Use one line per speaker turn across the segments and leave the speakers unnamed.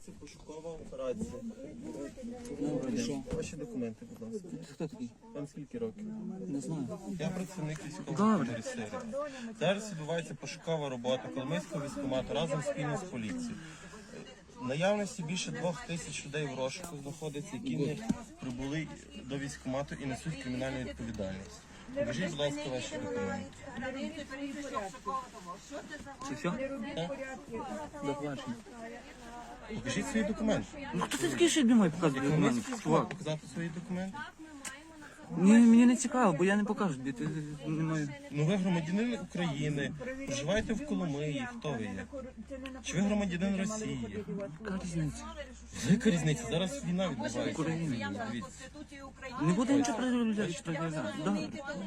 Проводиться пошукова операція. Ваші документи, будь ласка.
Хто такий?
Вам скільки років?
Не знаю.
Я працівник військової
Добре.
комісарії. Зараз відбувається пошукова робота Коломийського військкомату разом спільно з поліцією. В наявності більше 2000 людей в розшуку знаходиться, які не прибули до військкомату і несуть кримінальну відповідальність. Покажіть, будь ласка, ваші документи.
Це все? До побачення.
Покажіть свої документи.
Ну хто ти такий, що не має показувати
Коломийський
документи?
військкомат
Чувак.
показати свої документи?
Мені не цікаво, бо я не покажу, де ти не маю.
Ну ви громадянин України, проживаєте в Коломиї, хто ви є? Чи ви громадянин Росії?
Яка різниця?
Яка різниця? Зараз війна відбувається.
Україна.
Дивіться.
Не буде нічого переробляти. Добре.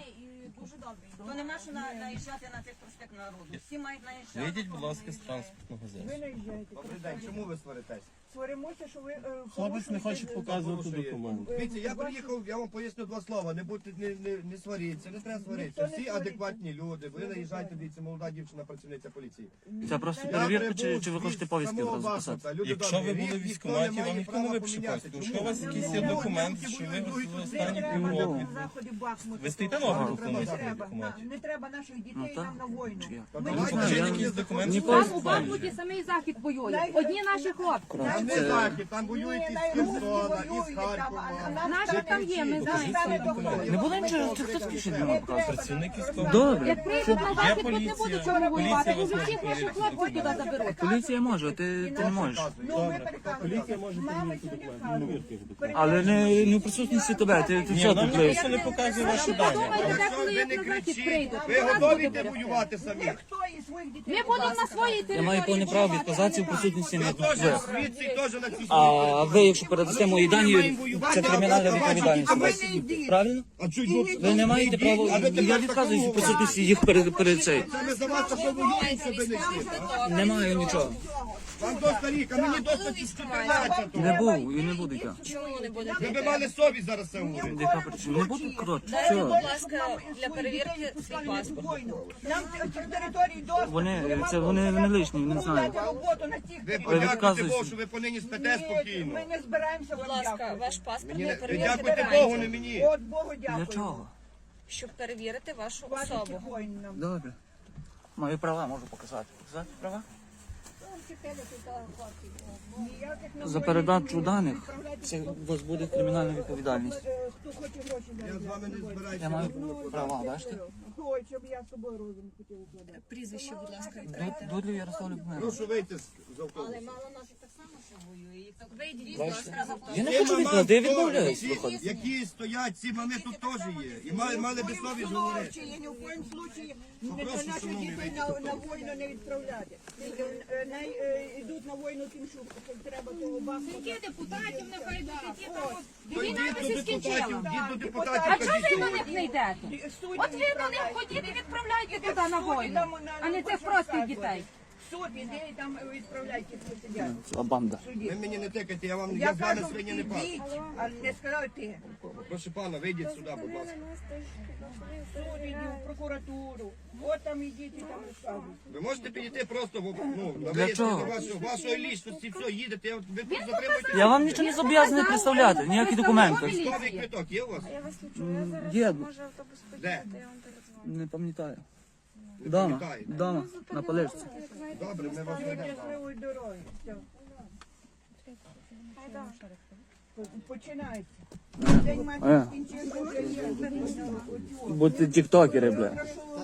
То нема що наїжджати на цих проспект народу. Всі мають наїжджати.
Вийдіть, будь ласка, з транспортного засобу.
Добрий день, чому ви сваритесь?
Сваримося, що ви
Хлопець не хоче показувати документи.
Дивіться, я приїхав, я вам поясню два слова. Не будьте, не сваріться, не треба сваритися. Всі адекватні люди. Ви наїжджаєте, дивіться, молода дівчина, працівниця поліції.
Це просто перевірка, чи ви хочете повістки одразу писати?
Якщо ви були в військкоматі, вам ніхто не випише повістку. Якщо у вас якийсь є документ, що ви в останні півроку.
заходи Бахмуту.
Ви стоїте на обліку в Коломийському військкоматі?
Не треба наших дітей
так.
нам на війну.
Чи як?
Покажіть якийсь документ, що
Ніколи-
ви
Там у Бахмуті самий захід воює. Одні наші хлопці.
Там не захід, там воюють із Херсона, із Харкова.
Наші там є, ми знаємо.
Не буде нічого, це хто такий, що не має показувати?
працівник військового.
Добре.
Як прийдуть на захід, тут не
поліція.
будуть чого воювати.
Поліція
Уже
вас
всіх
не
ваших
перевірить.
хлопців туди заберуть.
Поліція може, ти не можеш.
Поліція може перевірити документи.
Але не в присутності тебе, ти
Ні,
все
нам
тут лиш.
ніхто не показує ваші дані.
Подумайте, де коли
Ви
як
не
на захід
кричіть,
прийдуть.
ви готові йти воювати самі?
Хто із своїх дітей?
Ми будемо на своїй
Я
території.
маю повне право відказатися в присутності не
Я теж
ви.
звідси і теж на цій
А ви, якщо передасте мої дані, це кримінальна відповідальність.
А ви не йдіть.
Правильно?
А чуть тут
Ви не маєте права, я відказуюсь в присутності їх перед цей.
це ми за вас такого воюємо, щоб ви не йшли, так?
Не маю нічого.
Вам доста рік, а мені доста 14.
Не був і не буду я.
Чому не буде?
Ви б мали совість зараз це говорити.
Яка причина? Не буду, коротше,
Дайте, будь
все.
ласка, для перевірки свій паспорт.
Нам цих територій доступ.
Вони лишні, не знаю.
Роботу на цих
Ви
територіях.
подякуйте
відказуєтесь.
Богу, що ви понині спите спокійно.
Ми не збираємося
Будь
вам
ласка,
дякувати.
ваш паспорт
Мені
для
не- Ви
перевірки
дякуйте Богу, не
гарантії,
мені.
От Богу
Для
дякую.
чого?
щоб перевірити вашу
Ваших
особу.
воїн нам.
Добре. Мої права можу показати. Показати права?
Ніяких нам
За
воїн
передачу
не
даних
відправляйте.
це у вас буде кримінальна відповідальність.
Хто хоче гроші
Я з вами не збираюся.
Я маю права, бачите?
Ой, щоб я з собою розум хотів укладати.
Прізвище, будь ласка.
Дудлів Ярослав Любомирович.
Прошу вийти з автобусу.
Мало наших так само, що воює. Їх так вийдіть,
Я не хочу відкладати, я відмовляюсь
Ці,
виходити.
які стоять, ці мами тут теж є. І мали би совість говорити.
Я ні в коїм случаї
Попрошу,
наших
шановний,
дітей
вийти
на
з автобусу.
війну не відправляти. Най йдуть на війну тим, що треба того Бахмута.
Які депутатів нехай йдуть, які там от
То
війна
йдіть
би
до
се скінчила.
депутатів, йдіть до депутатів.
А чого
кажіть,
ви до
що
них не йдете? От ви до них ходіть і відправляйте туди на війну, а не цих простих дітей.
Суд іде і там відправляйте, хто сидять.
А банда.
Ви мені не тикайте, я
Я
з вами
кажу,
свині не пас.
ідіть, а не сказав ти.
Прошу пана, вийдіть сюди, будь ласка.
Суд іди, в прокуратуру. От там ідіть і там розказуйте.
Ви можете підійти просто на
Для
вияснення
чого?
вашої лічності, все, їдете, ви тут затримуєте.
Я вам нічого не зобов'язаний представляти, ніякі документи.
Військовий квиток є у вас?
Є,
Де?
не пам'ятаю.
Не
Дома,
пам'ятаєте?
дома, на поличці.
Добре, ми вас ведемо.
Щасливої дороги. Все. Починається. День матері скінчився, вже є.
Будьте тіктокери, бля.
Прошу